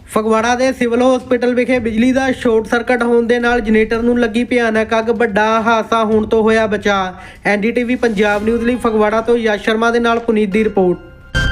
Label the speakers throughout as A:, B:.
A: ਫਗਵਾੜਾ ਦੇ civil hospital ਵਿਖੇ ਬਿਜਲੀ ਦਾ ਸ਼ਾਰਟ ਸਰਕਟ ਹੋਣ ਦੇ ਨਾਲ ਜਨਰੇਟਰ ਨੂੰ ਲੱਗੀ ਭਿਆਨਕ ਅੱਗ। ਵੱਡਾ ਹਾਦਸਾ ਹੋਣ ਤੋਂ ਹੋਇਆ ਬਚਾਅ। ਐਨਡੀਟੀਵੀ ਪੰਜਾਬ ਨਿਊਜ਼ ਲਈ ਫਗਵਾੜਾ ਤੋਂ ਯਸ਼ ਸ਼ਰਮਾ ਦੇ ਨਾਲ ਪੁਨੀਤ ਦੀ ਰਿਪੋਰਟ।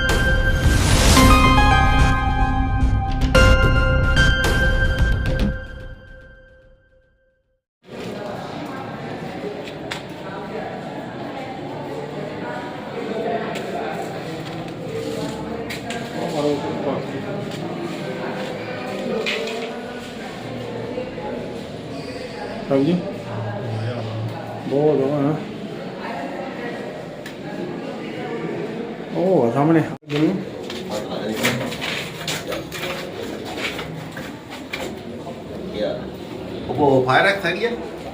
B: हाँ जी बहुत है ओ सामने
C: वो फायर एक्स है क्या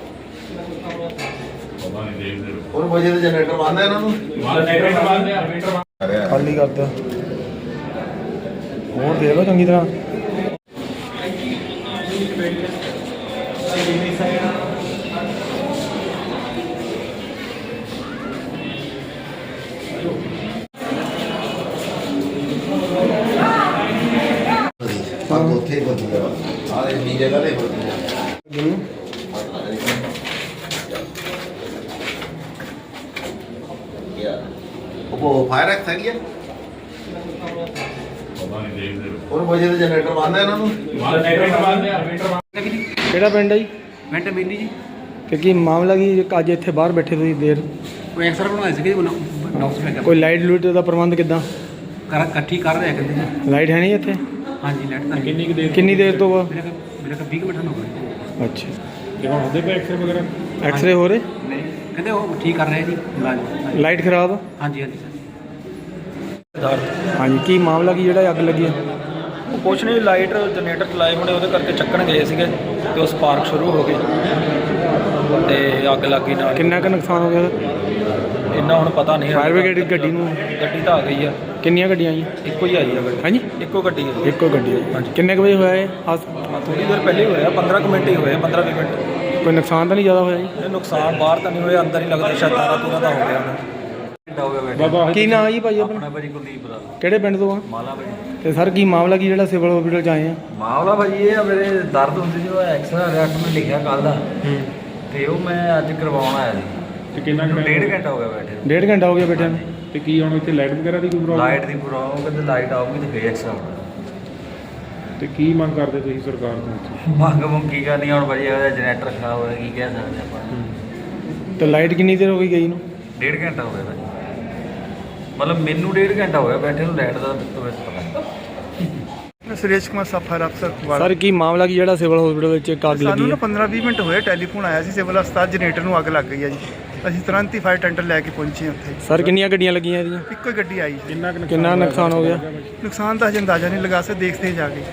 C: और वजह से जनरेटर बंद है इन्होंने
B: खाली कर दो और देख लो चंगी तरह
C: ਉੱਥੇ ਬਦਲ ਗਿਆ ਆ ਇਹ ਜਗ੍ਹਾ ਤੇ ਬਦਲ ਗਿਆ वो फायर एक्स है क्या और वजह से जनरेटर बंद है इन्होंने
B: ਕਿਹੜਾ ਪਿੰਡ ਹੈ ਜੀ?
D: ਮਿੰਟ ਮਿਲੀ ਜੀ
B: ਤੇ ਕੀ ਮਾਮਲਾ ਕੀ ਅੱਜ ਇੱਥੇ ਬਾਹਰ ਬੈਠੇ ਤੁਸੀਂ ਦੇਰ
D: ਕੋਈ ਐਕਸਰ ਬਣਾਇਆ ਸੀ ਕਿ ਡਾਕਟਰ ਨੇ
B: ਕੋਈ ਲਾਈਟ ਲੂਟ ਦਾ ਪ੍ਰਬੰਧ ਕਿੱਦਾਂ?
D: ਇਕੱਠੀ ਕਰ ਰਿਹਾ ਕਹਿੰਦੇ ਜੀ।
B: ਲਾਈਟ ਹੈ ਨਹੀਂ ਇੱਥੇ?
D: ਹਾਂਜੀ ਲੈਟ ਤਾਂ
B: ਕਿੰਨੀ ਦੇਰ ਤੋਂ ਵਾ?
D: ਮੇਰੇ ਕੋਲ 20 ਮਿੰਟ ਹੋ ਗਏ।
B: ਅੱਛਾ
E: ਤੇ ਹੁਣ ਉਹਦੇ ਪੇ ਐਕਸਰੇ ਵਗੈਰਾ
B: ਐਕਸਰੇ ਹੋ ਰਹੇ?
D: ਨਹੀਂ ਕਹਿੰਦੇ ਉਹ ਠੀਕ ਕਰ ਰਹੇ ਜੀ ਇਲਾਜ।
B: ਲਾਈਟ ਖਰਾਬ ਆ?
D: ਹਾਂਜੀ ਹਾਂਜੀ ਸਰ
B: ਹਾਂਜੀ ਕੀ ਮਾਮਲਾ ਕੀ ਜਿਹੜਾ ਅੱਗ ਲੱਗੀ ਹੈ?
F: ਕੁਛ ਨਹੀਂ, ਲਾਈਟ ਜਨਰੇਟਰ ਚਲਾਏ ਹੋਣੇ ਉਹਦੇ ਕਰਕੇ ਚੱਕਣ ਗਏ ਸੀਗੇ ਤੇ ਉਹ ਸਪਾਰਕ ਸ਼ੁਰੂ ਹੋ ਗਈ ਤੇ ਅੱਗ ਲੱਗ ਗਈ ਨਾਲ।
B: ਕਿੰਨਾ ਕੁ ਨੁਕਸਾਨ ਹੋ ਗਿਆ?
F: ਇੰਨਾ ਹੁਣ ਪਤਾ ਨਹੀਂ।
B: ਫਾਇਰ ਬ੍ਰਿਗੇਡ ਗੱਡੀ ਨੂੰ?
F: ਗੱਡੀ ਤਾਂ ਆ ਗਈ ਆ।
B: ਕਿੰਨੀਆਂ ਗੱਡੀਆਂ ਆਈਆਂ?
F: ਇੱਕੋ ਹੀ ਆਈ ਆ ਗੱਡੀ।
B: ਹਾਂਜੀ
F: ਇੱਕੋ ਗੱਡੀ ਹੈ।
B: ਇੱਕੋ ਗੱਡੀ ਆਈ। ਕਿੰਨੇ ਕੁ ਵਜੇ ਹੋਇਆ ਇਹ ਹਾਦਸਾ?
F: ਥੋੜੀ ਦੇਰ ਪਹਿਲੇ ਹੋਇਆ, 15 ਕੁ ਮਿੰਟ ਹੀ ਹੋਏ, 15-20 ਮਿੰਟ।
B: ਕੋਈ ਨੁਕਸਾਨ ਤਾਂ ਨਹੀਂ ਜ਼ਿਆਦਾ ਹੋਇਆ ਜੀ?
F: ਇਹ ਨੁਕਸਾਨ ਬਾਹਰ ਤਾਂ ਨਹੀਂ ਹੋਇਆ, ਅੰਦਰ ਹੀ ਲੱਗਦਾ ਸ਼ਾਇਦ ਤਾਰਾ ਤੂਰਾ ਦਾ ਹੋ ਗਿਆ ਹੋਣਾ।
E: ਬਾਬਾ
B: ਕੀ ਨਾਂ ਜੀ ਭਾਈ ਆਪਣਾ?
F: ਭਾਜੀ ਕੁਲਦੀਪ ਦਾ
B: ਕਿਹੜੇ ਪਿੰਡ ਤੋਂ ਆ?
F: ਮਾਲਾ ਭਾਜੀ।
B: ਤੇ ਸਰ ਕੀ ਮਾਮਲਾ ਕੀ ਜਿਹੜਾ ਸਿਵਲ ਹਸਪੀਟਲ ਚ ਆਏ ਆ?
F: ਮਾਮਲਾ ਭਾਜੀ ਇਹ ਆ, ਮੇਰੇ ਦਰਦ ਹੁੰਦੀ ਸੀ, ਉਹ ਐਕਸਰਾ ਰਿਐਕਟ ਮੈਂ ਲਿਖਿਆ ਕੱਲ ਦਾ ਤੇ ਉਹ ਮੈਂ ਅੱਜ ਕਰਵਾਉਣ ਆਇਆ ਸੀ।
E: ਤੇ ਕਿੰਨਾ ਕੁ
F: ਡੇਢ ਘੰਟਾ ਹੋ ਗਿਆ ਬੈਠੇ ਨੂੰ।
B: ਡੇਢ ਘੰਟਾ ਹੋ ਗਿਆ ਬੈਠਿਆਂ ਨੂੰ।
E: ਤੇ ਕੀ ਹੁਣ ਇੱਥੇ ਲਾਈਟ ਵਗੈਰਾ ਦੀ ਕੋਈ ਪ੍ਰੋਬਲਮ?
F: ਲਾਈਟ ਦੀ ਪ੍ਰੋਬਲਮ, ਕਹਿੰਦੇ ਲਾਈਟ ਆਊਗੀ ਤੇ ਫੇਰ ਐਕਸਰਾ ਹੋਣਾ।
E: ਤੇ ਕੀ ਮੰਗ ਕਰਦੇ ਤੁਸੀਂ ਸਰਕਾਰ ਤੋਂ?
F: ਮੰਗ ਮੰਗ ਕੀ ਕਰਨੀ ਹੁਣ ਭਾਜੀ, ਉਹਦਾ ਜਨਰੇਟਰ ਖਰਾਬ ਹੋਇਆ, ਕੀ ਕਹਿ ਸਕਦੇ ਆਪਾਂ।
B: ਤੇ ਲਾਈਟ ਕਿੰਨੀ ਦੇਰ ਹੋ ਗਈ ਗਈ ਨੂੰ?
F: ਡੇਢ ਘੰਟਾ ਹੋ ਗਿਆ ਭਾਜੀ, ਮਤਲਬ ਮੈਨੂੰ ਡੇਢ ਘੰਟਾ ਹੋ ਗਿਆ ਬੈਠੇ ਨੂੰ, ਲਾਈਟ ਦਾ ਪਤਾ
G: ਮੈਂ ਸੁਰੇਸ਼ ਕੁਮਾਰ ਸਫਰ ਅਫਸਰ
B: ਸਰ ਕੀ ਮਾਮਲਾ ਕੀ ਜਿਹੜਾ ਸਿਵਲ ਹਸਪੀਟਲ ਵਿੱਚ ਇੱਕ ਅੱਗ ਲੱਗੀ
G: ਸਾਨੂੰ
B: ਹੈ?
G: ਨਾ 15-20 ਮਿੰਟ ਹੋਏ ਟੈਲੀਫੋਨ ਆਇਆ ਸੀ ਸਿਵਲ ਹਸਪਤਾਲ ਜਨਰੇਟਰ ਨੂੰ ਅੱਗ ਲੱਗ ਗਈ ਹੈ ਜੀ। ਅਸੀਂ ਤੁਰੰਤ ਹੀ ਫਾਇਰ ਟੈਂਡਰ ਲੈ ਕੇ ਪਹੁੰਚੇ ਉੱਥੇ।
B: ਸਰ ਕਿੰਨੀਆਂ ਗੱਡੀਆਂ ਲੱਗੀਆਂ ਇਹਦੀਆਂ?
G: ਇੱਕੋ ਹੀ ਗੱਡੀ ਆਈ ਸੀ।
B: ਕਿੰਨਾ ਨੁਕਸਾਨ ਹੋ ਗਿਆ?
G: ਨੁਕਸਾਨ ਤਾਂ ਹਜੇ ਅੰਦਾਜ਼ਾ ਨਹੀਂ ਲਗਾ ਸਕਦੇ, ਦੇਖਦੇ ਜਾ ਕੇ।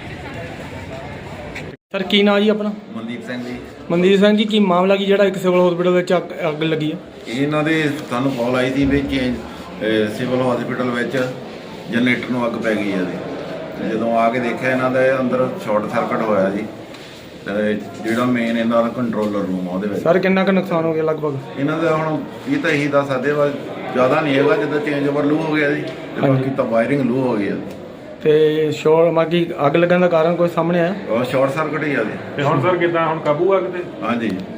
B: ਸਰ ਕੀ ਨਾਂ ਜੀ ਆਪਣਾ?
C: ਮਨਦੀਪ ਸਿੰਘ ਜੀ।
B: ਮਨਦੀਪ ਸਿੰਘ ਜੀ ਕੀ ਮਾਮਲਾ ਕੀ ਜਿਹੜਾ ਇੱਕ ਸਿਵਲ ਹਸਪੀਟਲ ਵਿੱਚ ਅੱਗ ਲੱਗੀ ਹੈ?
C: ਇਹਨਾਂ ਦੇ ਸਾਨੂੰ ਕਾਲ ਆਈ ਸੀ ਵੀ ਸਿਵਲ ਹਸਪੀਟਲ ਵਿੱਚ ਜਨਰੇਟਰ ਨੂੰ ਅੱਗ ਪੈ ਗਈ ਹੈ ਜੀ। ਤੇ ਜਦੋਂ ਆ ਕੇ ਦੇਖਿਆ ਇਹਨਾਂ ਦੇ ਅੰਦਰ ਸ਼ਾਰਟ ਸਰਕਟ ਹੋਇਆ ਜੀ। ਤੇ ਜਿਹੜਾ ਮੇਨ ਇਹਨਾਂ ਦਾ ਕੰਟਰੋਲਰ ਰੂਮ ਆ ਉਹਦੇ ਵਿੱਚ।
B: ਸਰ ਕਿੰਨਾ ਕੁ ਨੁਕਸਾਨ ਹੋ ਗਿਆ ਲਗਭਗ?
C: ਇਹਨਾਂ ਦਾ ਹੁਣ ਇਹ ਤਾਂ ਇਹੀ ਦੱਸ ਸਕਦੇ ਵਾ, ਜ਼ਿਆਦਾ ਨਹੀਂ ਹੈਗਾ, ਜਿੱਦਾਂ ਚੇਂਜ ਓਵਰ ਲੂ ਹੋ ਗਿਆ ਜੀ ਤੇ ਬਾਕੀ ਤਾਂ ਵਾਇਰਿੰਗ ਲੂ ਹੋ ਗਈ ਆ।
B: ਤੇ ਸ਼ੋਰ ਮਾਗੀ ਅੱਗ ਲੱਗਣ ਦਾ ਕਾਰਨ ਕੋਈ ਸਾਹਮਣੇ ਆਇਆ?
C: ਉਹ ਸ਼ਾਰਟ ਸਰਕਟ ਹੀ ਆ ਜੀ।
E: ਤੇ ਹੁਣ ਸਰ ਕਿੱਦਾਂ ਹੁਣ ਕਾਬੂ ਆ ਕਿਤੇ?
C: ਹਾਂਜੀ